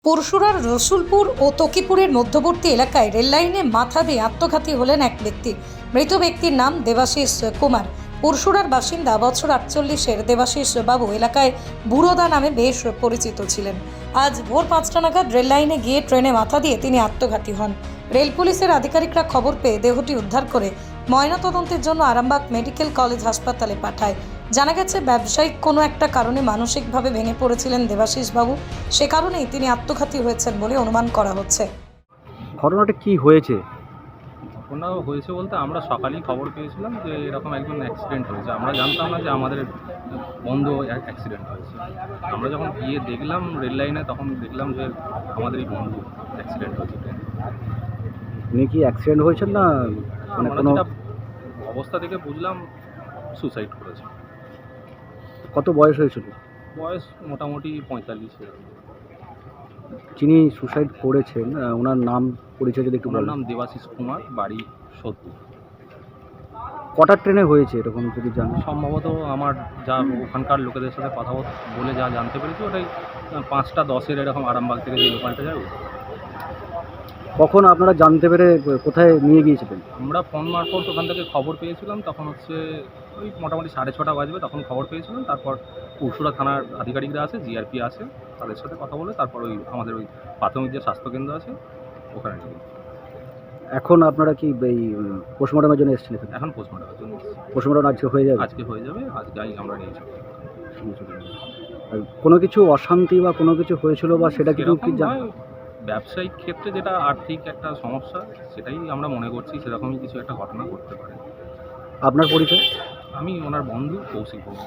পরশুরার রসুলপুর ও তকিপুরের মধ্যবর্তী এলাকায় রেললাইনে মাথা দিয়ে আত্মঘাতী হলেন এক ব্যক্তি। মৃত ব্যক্তির নাম দেবাশিস কুমার। পরশুরার বাসিন্দা, বছর 48-এর দেবাশিস বাবু এলাকায় বুড়োদা নামে বেশ পরিচিত ছিলেন। আজ ভোর 5টা নাগাদ রেললাইনে গিয়ে ট্রেনে মাথা দিয়ে তিনি আত্মঘাতী হন। রেল পুলিশের আধিকারিকরা খবর পেয়ে দেহটি উদ্ধার করে ময়নাতদন্তের জন্য আরামবাগ মেডিকেল কলেজ হাসপাতালে পাঠায়। জানা গেছে, ব্যবসায়িক কোনো একটা কারণে মানসিকভাবে ভেঙে পড়েছিলেন দেবাশিস বাবু। সে কারণেই তিনি আত্মঘাতী হয়েছেন বলে অনুমান করা হচ্ছে। ঘটনাটা কি হয়েছে? ঘটনা হয়েছে বলতে আমরা সকালেই খবর পেয়েছিলাম যে এরকম একজন অ্যাক্সিডেন্ট হয়েছে। আমরা জানতাম না যে আমাদের বন্ধু অ্যাক্সিডেন্ট হয়েছে। আমরা যখন গিয়ে দেখলাম রেল লাইনে, তখন দেখলাম যে আমাদেরই বন্ধু অ্যাক্সিডেন্ট হয়েছে। উনি কি অ্যাক্সিডেন্ট হয়েছেন না মানে আমরা কোনো যেটা অবস্থা থেকে বুঝলাম সুসাইড করেছে। কত বয়স হয়েছিল? বয়স মোটামুটি 45। যিনি সুসাইড করেছেন ওনার নাম পরিচয় যদি একটু ওনার বলেন। নাম দেবাশিস কুমার, বাড়ি সোদপুর। কটার ট্রেনে হয়েছে এরকম যদি জানেন? সম্ভবত আমার যা ওখানকার লোকেদের সাথে কথা বলে যা জানতে পেরেছি, ওটাই 5টা 10-এর এরকম আরামবাগ থেকে যে লোকালটা যায়। কখন আপনারা জানতে পেরে কোথায় নিয়ে গিয়েছিলেন? আমরা ফোন মারফত ওখান থেকে খবর পেয়েছিলাম। তখন হচ্ছে ওই মোটামুটি 6:30 বাজবে, তখন খবর পেয়েছিলাম। তারপর পরশুরা থানার আধিকারিকরা আছে, জিআরপি আছে, তাদের সাথে কথা বলে তারপর আমাদের প্রাথমিক যে স্বাস্থ্যকেন্দ্র আছে ওখানে নিয়ে গেছি। এখন আপনারা কি এই পোস্টমর্টমের জন্য এসেছেন? এখন পোস্টমর্টমের জন্য পোস্টমর্টম আজকে হয়ে যাবে? আজকে হয়ে যাবে। আজকেই আমরা নিয়ে যাবো। আর কোনো কিছু অশান্তি বা কোনো কিছু হয়েছিল বা সেটা কিছু কি জানেন? ব্যবসায়িক ক্ষেত্রে যেটা আর্থিক একটা সমস্যা, সেটাই আমরা মনে করছি সেরকমই কিছু একটা ঘটনা ঘটতে পারে। আপনার পরিচয়? আমি ওনার বন্ধু কৌশিক বন্ধু।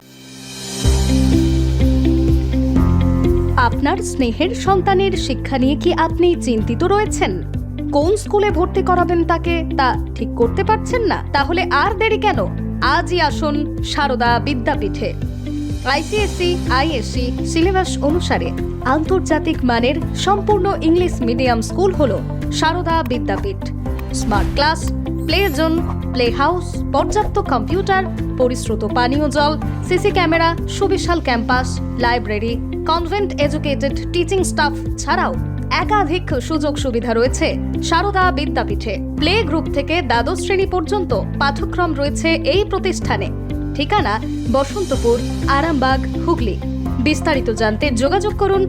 আপনার স্নেহের সন্তানের শিক্ষা নিয়ে কি আপনি চিন্তিত রয়েছেন? কোন স্কুলে ভর্তি করাবেন তাকে তা ঠিক করতে পারছেন না? তাহলে আর দেরি কেন? আজই আসুন সারদা বিদ্যাপীঠে। আইসিএসসি, আইএসসি সিলেবাস অনুসারে আন্তর্জাতিক মানের সম্পূর্ণ ইংলিশ মিডিয়াম স্কুল হলো Sarada Vidyapith. Smart class, play zone, play house, পর্যাপ্ত কম্পিউটার, পরিশ্রুত পানীয় জল, সিসি ক্যামেরা, সুবিশাল campus, library, convent educated teaching staff ছাড়াও একাধিক সুযোগ সুবিধা রয়েছে সারদা বিদ্যাপীঠে। প্লে গ্রুপ থেকে দ্বাদশ শ্রেণী পর্যন্ত পাঠ্যক্রম রয়েছে এই প্রতিষ্ঠানে। ঠিকানা বসন্তপুর, আরামবাগ, হুগলি। বিস্তারিত জানতে যোগাযোগ করুন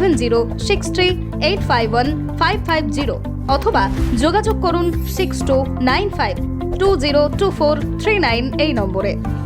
7063851550 অথবা যোগাযোগ করুন 6295202439 এই নম্বরে।